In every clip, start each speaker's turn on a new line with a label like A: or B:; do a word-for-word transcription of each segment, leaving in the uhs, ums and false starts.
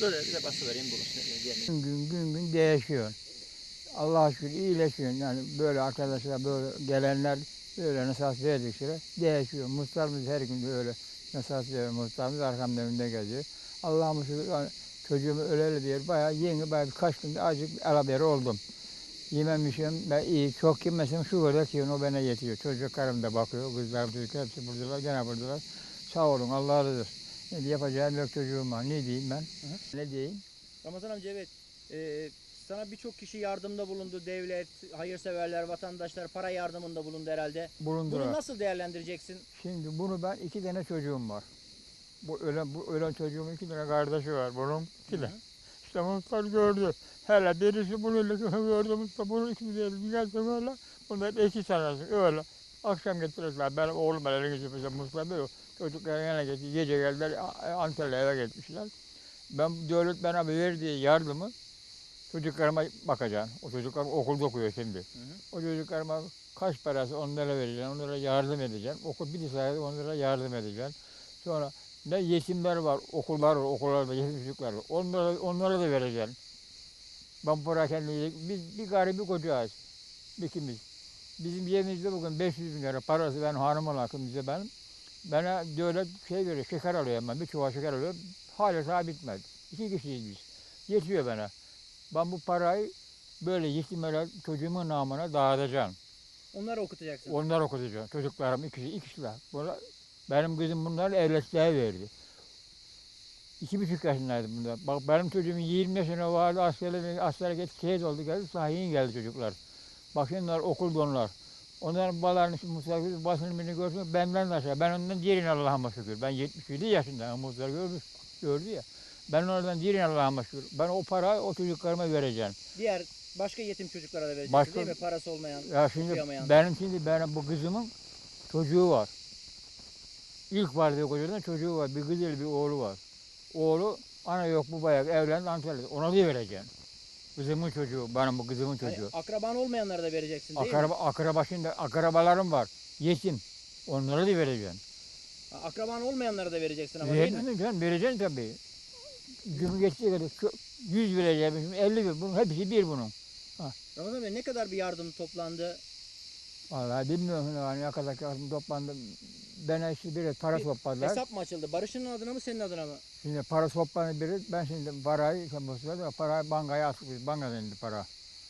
A: Şöyle bir de bası vereyim buluşsun.
B: Gün gün gün gün değişiyor. Allah'a şükür iyileşiyor. Yani böyle arkadaşlar böyle gelenler böyle nasihat verdikçe değişiyor. Muhtarımız her gün böyle nasihat veriyor. Muhtarımız arkamda önünde geziyor. Allah'a şükür yani çocuğumu öleli diyor. Bayağı yeni bayağı birkaç günde azıcık alaberi oldum. Yememişim ben iyi. Çok yemesem şu kadar ki o bana yetiyor. Çocuklarım da bakıyor. Kızlarım çocuklar hepsi buradalar. Gene buradalar. Sağ olun Allah razı olsun. Ne yapacağım yok çocuğum var. Ne diyeyim ben? Hı hı. Ne diyeyim?
A: Ramazan amca evet. Ee, sana birçok kişi yardımda bulundu. Devlet, hayırseverler, vatandaşlar para yardımında bulundu herhalde.
B: Bulundular.
A: Bunu nasıl değerlendireceksin?
B: Şimdi bunu ben iki tane çocuğum var. Bu ölen, bu ölen çocuğumun iki tane kardeşi var. Bunun iki de. İşte muhtar gördü. Hele birisi bunu gördü. Muhtar bunu ikisi de gelsin öyle. Bunlar iki tanesi öyle. Akşam getirdiler. Benim oğlum elini getirmişler. Muhtar böyle. Çocuklar yana getirdi. Gece geldiler. Antalya'ya eve gitmişler. Ben devlet bana verdiği yardımı çocuklarıma bakacağım. O çocuklar okulda okuyor şimdi. Hı hı. O çocuklarıma kaç parası onlara vereceğim, onlara yardım edeceğim. Okul bir sayede onlara yardım edeceğim. Sonra ne yetimler var, okullar var, okullarda yetim çocuklar var. Onlara, onlara da vereceğim. Ben para kendine biz bir garibi kocayız. İkimiz. Bizim yerimizde bugün beş yüz bin lira parası ben hanımın hakkımızda benim. Bana devlet şey veriyor, şeker alıyorum ben, bir çuval şeker alıyorum. Hala daha bitmedi. İki kişiyiz biz. Yetiyor bana. Ben bu parayı böyle yetimlere çocuğumun namına dağıtacağım.
A: Onları okutacaksın.
B: Onları okutacağım. Çocuklarım ikisi, ikisiler. Bunlar, benim kızım bunları evlatlığa verdi. İki buçuk yaşındaydı bunlar. Bak benim çocuğum yirmi yaşına vardı, askere, askere gitti, şehit oldu geldi, sahiyin geldi çocuklar. Bak şimdi onlar okulda onlar. Onların babalarının şimdi muhtar basını beni görsün, benden de aşağı. Ben ondan diğerini Allah'ıma şükür. Ben yetmiş yedi yaşındayım, muhtar görmüş, gördü ya. Ben oradan diğerini Allah'ıma şükür. Ben o parayı o çocuklarıma vereceğim.
A: Diğer başka yetim çocuklara da vereceksin
B: Başka,
A: değil mi? Parası olmayan,
B: ya şimdi
A: okuyamayan.
B: benim şimdi benim bu kızımın çocuğu var. İlk vardığı kocadan çocuğu var. Bir kızıyla bir oğlu var. Oğlu ana yok bu bayağı evlendi Antalya'da. Ona da vereceğim. Kızımın çocuğu, benim bu kızımın çocuğu.
A: Hayır, akraban olmayanlara da vereceksin değil
B: Akraba,
A: mi?
B: akraba şimdi akrabalarım var. Yetim. Onlara da vereceğim.
A: Akraban olmayanlara da vereceksin ama değil mi?
B: Vereceğim canım, vereceğim tabii. Gün geçtiği kadar yüz vereceğim, şimdi elli ver. Bunun hepsi bir bunun.
A: Ramazan Bey ne kadar bir yardım toplandı?
B: Vallahi bilmiyorum yani ne kadar yardım toplandı. Bana işte bir para
A: Bir
B: topladılar.
A: Hesap mı açıldı? Barış'ın adına mı senin adına mı?
B: Şimdi para toplandı biri. Ben şimdi parayı, parayı bankaya attık biz. Bankadan indi para.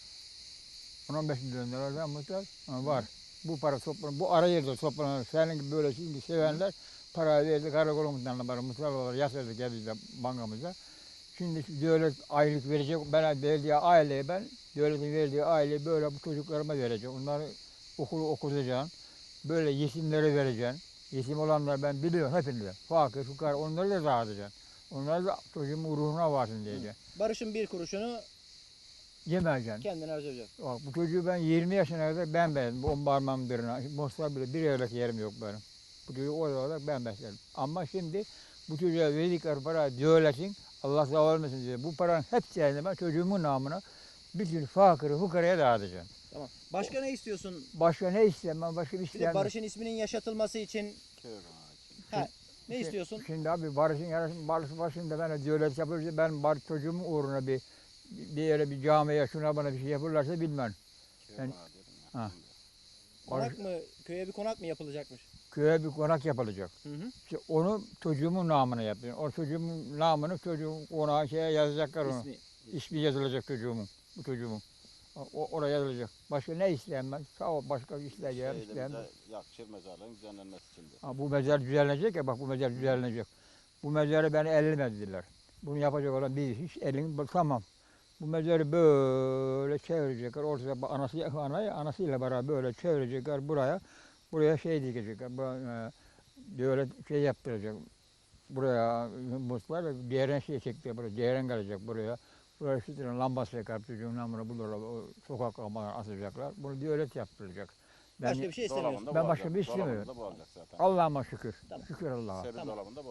B: on on beş milyon liradan muhtar var. Bu para toplanır. Bu ara yerde toplanır. Senin gibi böyle şimdi sevenler parayı verdi. Karakolumuzdan para muhtar olarak yatırdı geldi bankamıza. Şimdi devlet aylık verecek. Ben verdiği aileye ben devletin verdiği aileyi böyle bu çocuklarıma vereceğim. Onları okulu okutacağım. Böyle yetimlere vereceğim. Yetim olanlar ben biliyorum hepinize. Fakir, fukara onları da dağıtacağım. Onları da çocuğumun ruhuna varsın diyeceğim.
A: Barış'ın bir kuruşunu
B: Yemeyeceğim.
A: kendine harcayacaksın.
B: Bak bu çocuğu ben yirmi yaşına kadar ben beğendim. On parmağım birine. Mostar bile bir evrak yerim yok benim. Bu çocuğu o olarak ben besledim. Ama şimdi bu çocuğa verdikleri para devletin Allah sağ olmasın diye. Bu paranın hepsini ben çocuğumun namına bütün fakiri fukaraya dağıtacağım.
A: Tamam. Başka ne istiyorsun?
B: Başka ne isteyeyim ben başka bir
A: Bir de
B: isteyemem.
A: Barış'ın isminin yaşatılması için ha, ne istiyorsun?
B: Şimdi abi Barış'ın yarısının Barış'ın başında ben devlet yapılırsa ben Barış çocuğumun uğruna bir bir yere bir camiye şuna bana bir şey yapırlarsa bilmem. Ben, ha.
A: Konak mı? Köye bir konak mı yapılacakmış?
B: Köye bir konak yapılacak.
A: Hı hı.
B: İşte onu çocuğumun namına yapıyor. O çocuğumun namını çocuğun konağa şeye yazacaklar onu.
A: İsmi.
B: İsmi yazılacak çocuğumun. Bu çocuğumun. O, oraya yazılacak. Başka ne isteyeyim ben? Sağ ol başka bir isteyeceğim. isteyeyim.
C: Yakışır mezarlığın düzenlenmesi için de.
B: Ha, bu mezar düzenlenecek ya bak bu mezar düzenlenecek. Bu mezarı beni ellemediler. Bunu yapacak olan bir hiç elin tamam. Bu mezarı böyle çevirecekler. Ortada anası, anayı, anasıyla beraber böyle çevirecekler buraya. Buraya şey dikecekler. Bu, e, böyle şey yaptıracak. Buraya muslar diğerine şey çekti. Buraya diğerin gelecek buraya. Buraya işte lambası yakar çocuğun namına bulurlar. Sokak lambasını asacaklar. Bunu devlet yaptıracak. Ben,
A: Başka bir şey istemiyorsun.
B: ben başka bir şey istemiyorum. Allah'ıma şükür.
A: Tamam.
B: Şükür Allah'a.
A: Tamam.